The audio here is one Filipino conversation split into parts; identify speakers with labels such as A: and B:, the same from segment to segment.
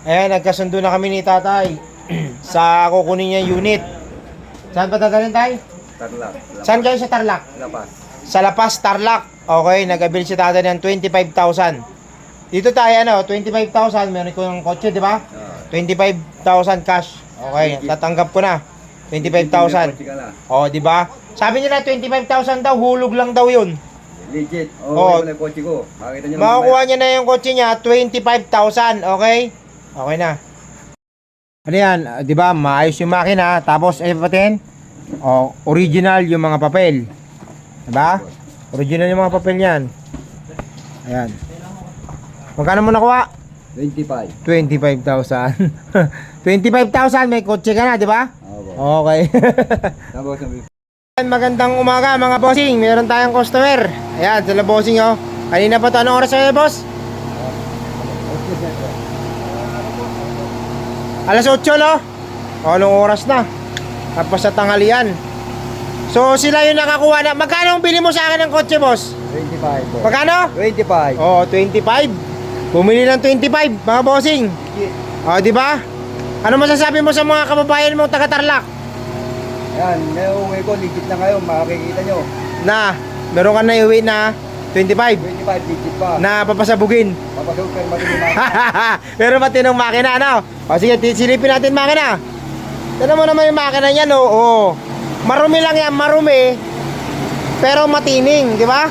A: Ayan, nagkasundo na kami ni tatay sa kukunin niya unit. Saan pa dadalhin, tay?
B: Tarlac.
A: Saan kayo sa Tarlac?
B: Lapas.
A: Sa Lapas, Tarlac. Okay, nag-abil si tatay ng 25,000. Dito tayo, 25,000. Meron ko ng kotse, di ba? 25,000 cash. Okay, tatanggap ko na. 25,000. Oh, di ba? Sabi nila 25,000 daw, hulog lang daw 'yun.
B: Legit.
A: Oh,
B: wala yung kotse ko. Makita niyo.
A: Makukuha niya na yung kotse niya, 25,000, okay? Okay na. Ano yan, di ba? Maayos yung makina, tapos patin, original yung mga papel. Di ba? Original yung mga papel niyan. Ayan. Magkano mo nakuha?
B: 25.
A: 25,000. 25,000, may kotse ka na, di ba? Okay.
B: Tapos
A: Magandang umaga mga bossing, meron tayong customer. Ayan, sila bossing oh. Kanina pa to, anong oras na boss? Alas 8 no? O, anong oras na? Tapos sa tanghalian. So sila yung nakakuha na. Magkano ang bili mo sa akin ng kotse boss?
B: 25.
A: Magkano?
B: 25.
A: Oh, 25. Bumili ng 25 mga bossing. O, di ba? Ano masasabi mo sa mga kababayan mong taga Tarlac?
B: Yan, may uwi ko, legit na kayo, makikita nyo.
A: Na, meron ka na iuwi na 25.
B: 25, legit pa.
A: Na papasabugin.
B: Papasok kayo matindi na.
A: Pero matinong makina, ano? O sige, silipin natin makina. Tignan mo naman yung makina niyan, oo. Marumi lang yan, marumi. Pero matining, di ba?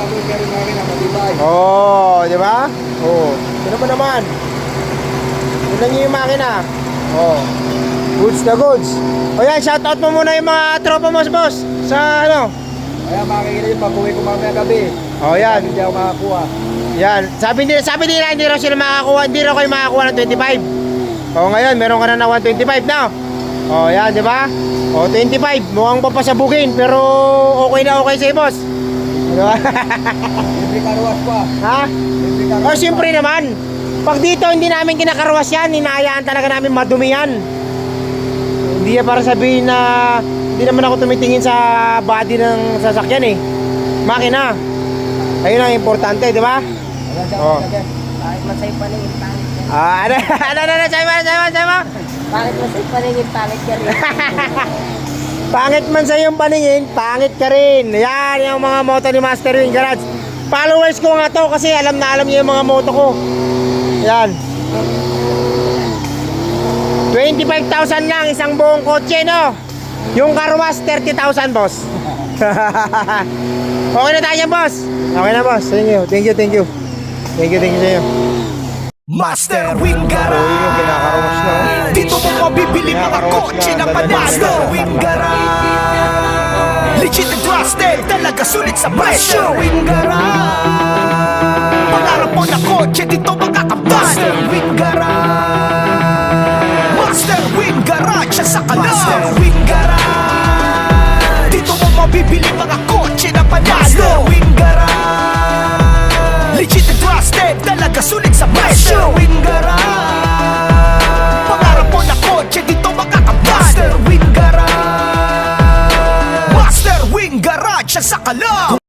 A: Oo, di ba? Oo. Tignan mo naman. Tignan niyo yung makina. Oo. Goods na goods. O yan, shoutout mo muna yung mga tropa mo, boss. Sa ano?
B: Kaya makikita yung pag-uwi ko mamaya gabi.
A: O yan.
B: Hindi ako makakuha.
A: Yan, sabi nila hindi raw sila makakuha, hindi raw kayo makakuha ng 25. O ngayon, meron ka na ng 125 na. O yan, di ba? O 25, mukhang papasabugin, pero okay na okay sa'yo, boss. Diba?
B: Libre karuwas pa.
A: Ha?
B: Libre karuwas
A: O siyempre naman, pag dito hindi namin kinakaruwas yan, hinahayaan talaga namin madumi yan. Hindi na para sabihin na hindi naman ako tumitingin sa body ng sasakyan eh. Makina. Ayun ang importante, di ba? Oh.
C: Bakit masay paningin pangit ka rin?
A: Sa'yo mo?
C: Bakit masay paningin pangit ka rin?
A: Pangit man sa iyong paningin, pangit ka rin. Yan, yung mga moto ni Master Wing Garage. Followers ko nga to kasi alam na alam niyo yung mga moto ko. Yan. 25,000 lang isang buong kotse, no? Yung karwas 30,000, boss. Okay na tayo, boss. Okay na, boss. Thank you. Thank you sa inyo.
D: Master Wing Garage.
A: Yung kinakarwas na.
D: Dito mo mabibili mga kotse na panalo. Master Wing Garage. Legit and trusted, talaga sulit sa presyo. Wing Garage. Pangarap mo na kotse, dito makakabal. Master Wing Garage. Master Wing Garage siya sa kalam. Master Wing Garage. Dito mo mabibili mga kotse na panalo. Master Wing Garage. Legit and trusted, talaga sulit sa presyo. Wing Garage. Pangarap mo na kotse, dito makakabal. Master Wing Garage. Master Wing Garage siya sa kalam.